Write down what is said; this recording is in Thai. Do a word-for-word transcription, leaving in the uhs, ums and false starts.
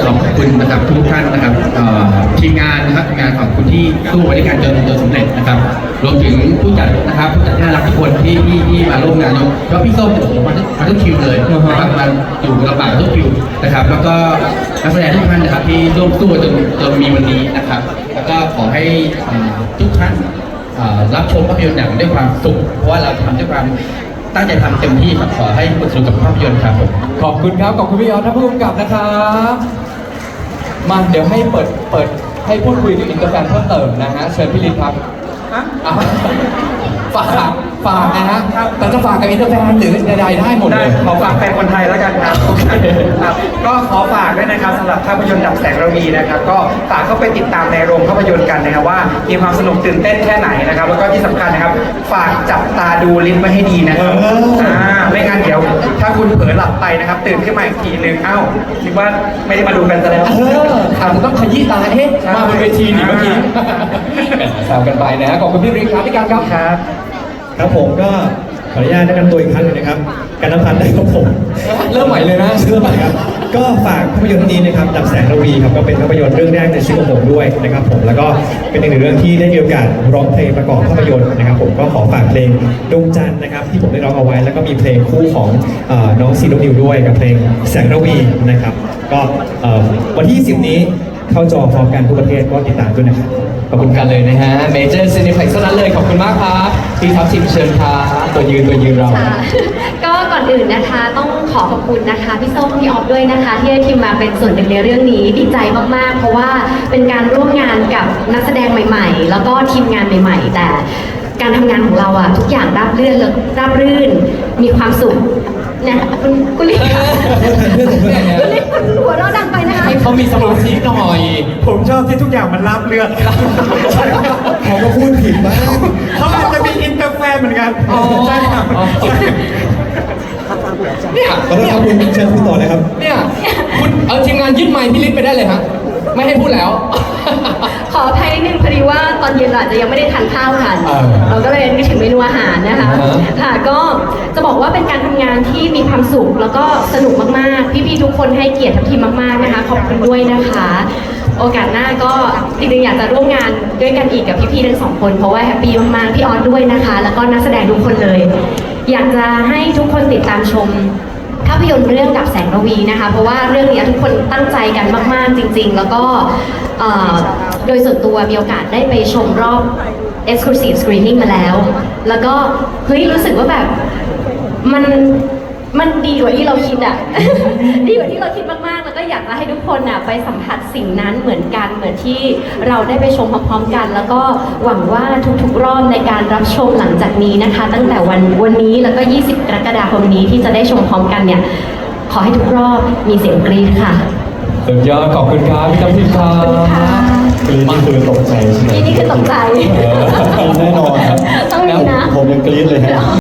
อบคุณนะครับทุกท่านนะครับทีมงานนะครับงานขอบคุณที่สู้บริการจนจนสำเร็จนะครับรวมถึงผู้จัดนะครับผู้จัดที่น่ารักทุกคนที่ที่ที่มาร่วมงานแล้วพี่ส้มผมมามาทุกคิวเลยนะครับมาอยู่ลำบากทุกคิวนะครับแล้วก็นักแสดงทุกท่านนะครับที่ร่วมสู้จนจนมีวันนี้นะครับแล้วก็ขอให้ทุกท่านรับชมภาพยนตร์หนังด้วยความสุขเพราะว่าเราทำด้วยความตั้งใจทำเต็มที่ครับขอให้สนุกกับภาพยนตร์ครับผมขอบคุณครับขอบคุณพี่ออสท่านผู้กำกับนะครับมาเดี๋ยวให้เปิดเปิดให้พูดคุยกับอินเตอร์แฟนเพิ่มเติมนะฮะเชิญพี่ลินครับฝากฝากนะฮะแต่จะฝากกับอินเตอร์แฟนหรือใดๆได้หมดเลยขอฝากแฟนคนไทยแล้วกันครับครับก็ขอฝากด้วยนะครับสำหรับภาพยนตร์ดับแสงระวีนะครับก็ฝากเข้าไปติดตามในโรงภาพยนตร์กันนะครับว่ามีความสนุกตื่นเต้นแค่ไหนนะครับแล้วก็ที่สำคัญนะครับฝากจับตาดูลิ้นไว้ให้ดีนะครับอ่าไม่งั้นเดี๋ยวถ้าคุณเผลอหลับไปนะครับตื่นขึ้นมาอีกทีนึงเอ้าคิดว่าไม่ได้มาดูกันซะแล้วเอออาจจะต้องขยี้ตาเอ๊ะมาบนเวทีนี่เมื่อกี้แซวกันไปนะขอบคุณพี่ริครับพี่การครับครับครับผมก็ขออนุญาตแนะนำตัวอีกครั้งหนึงนะครับการนพันธ์ได้ครับผมเริ่มใหม่เลยนะเริ่มใหม่ครับก็ฝากภาพยนตร์นี้นะครับดับแสงระวีครับก็เป็นภาพยนตร์เรื่องแรกในชีวิตของผมด้วยนะครับผมแล้วก็เป็นอีกหนึ่งเรื่องที่ได้มีโอกาสร้องเพลงประกอบภาพยนตร์นะครับผมก็ขอฝากเพลงดวงจันทร์นะครับที่ผมได้ร้องเอาไว้แล้วก็มีเพลงคู่ของน้องซีโนนิวด้วยกับเพลงแสงระวีนะครับก็วันที่ยี่สิบนี้เข้าจอพร้อมกันทุกประเทศก็ติดตามด้วยนะครับขอบคุณกันเลยนะฮะเมเจอร์ซีนิเพล็กซ์เท่านั้นเลยขอบคุณมากครับพี่ทัพทิมเชิญครับตัวยืนตัวยืนเราก็ก่อนอื่นนะคะต้องขอขอบคุณนะคะพี่ส้มพี่ออฟด้วยนะคะที่ให้ทีมมาเป็นส่วนหนึ่งในเรื่องนี้ดีใจมากๆเพราะว่าเป็นการร่วมงานกับนักแสดงใหม่ๆแล้วก็ทีมงานใหม่ๆแต่การทำงานของเราอะทุกอย่างราบรื่นและราบรื่นมีความสุขเนี่ยคุณกุลิค่ะกุลิคุณหัวเราะดังไปนะคะให้เขามีสมาธิหน่อยผมชอบที่ทุกอย่างมันราบเรื่องเขาก็พูดผิดบ้างเขาอาจจะมีอินเตอร์แฟนเหมือนกันใช่ครับเนี่ยขอโทษครับคุณเชิญคุณต่อเลยครับเนี่ยคุณเอาทีมงานยึดไมค์พี่ลิศไปได้เลยฮะไม่ให้พูดแล้วขออภัยนิดนึงพอดีว่าตอนเย็นเราอาจจะยังไม่ได้ทานข้าวกันเราก็เลยนึกถึงเมนูอาหารนะคะค่ะก็จะบอกว่าเป็นการทำงานที่มีความสุขแล้วก็สนุกมากๆพี่ๆทุกคนให้เกียรติทัพทีมมากๆนะคะขอบคุณด้วยนะคะโอกาสหน้าก็จริงๆอยากจะร่วมงานด้วยกันอีกกับพี่ๆทั้งสองคนเพราะว่าแฮปปี้มากๆพี่ออสด้วยนะคะแล้วก็นักแสดงทุกคนเลยอยากจะให้ทุกคนติดตามชมภาพยนตร์เรื่องดับแสงระวีนะคะเพราะว่าเรื่องนี้ทุกคนตั้งใจกันมากๆจริงๆแล้วก็โดยส่วนตัวมีโอกาสได้ไปชมรอบ Exclusive Screening มาแล้วแล้วก็เฮ้ยรู้สึกว่าแบบมันมันดีกว่าที่เราคิดอ่ะ ดีกว่าที่เราคิดมากๆแล้วก็อยากจะให้ทุกคนอ่ะไปสัมผัสสิ่งนั้นเหมือนกันเหมือนที่เราได้ไปชมพร้อมๆกันแล้วก็หวังว่าทุกๆรอบในการรับชมหลังจากนี้นะคะตั้งแต่วันวันนี้แล้วก็ยี่สิบกรกฎาคมนี้ที่จะได้ชมพร้อมกันเนี่ยขอให้ทุกรอบมีเสียงกรี๊ดค่ะสุดยอดขอบคุณครับพี่ทัพทิมครับกรี๊ดนี่คือตกใจใช่ไหมนี่คือตกใจแน่นอนครับต้องมีนะผมยังกรี๊ดเลยฮะ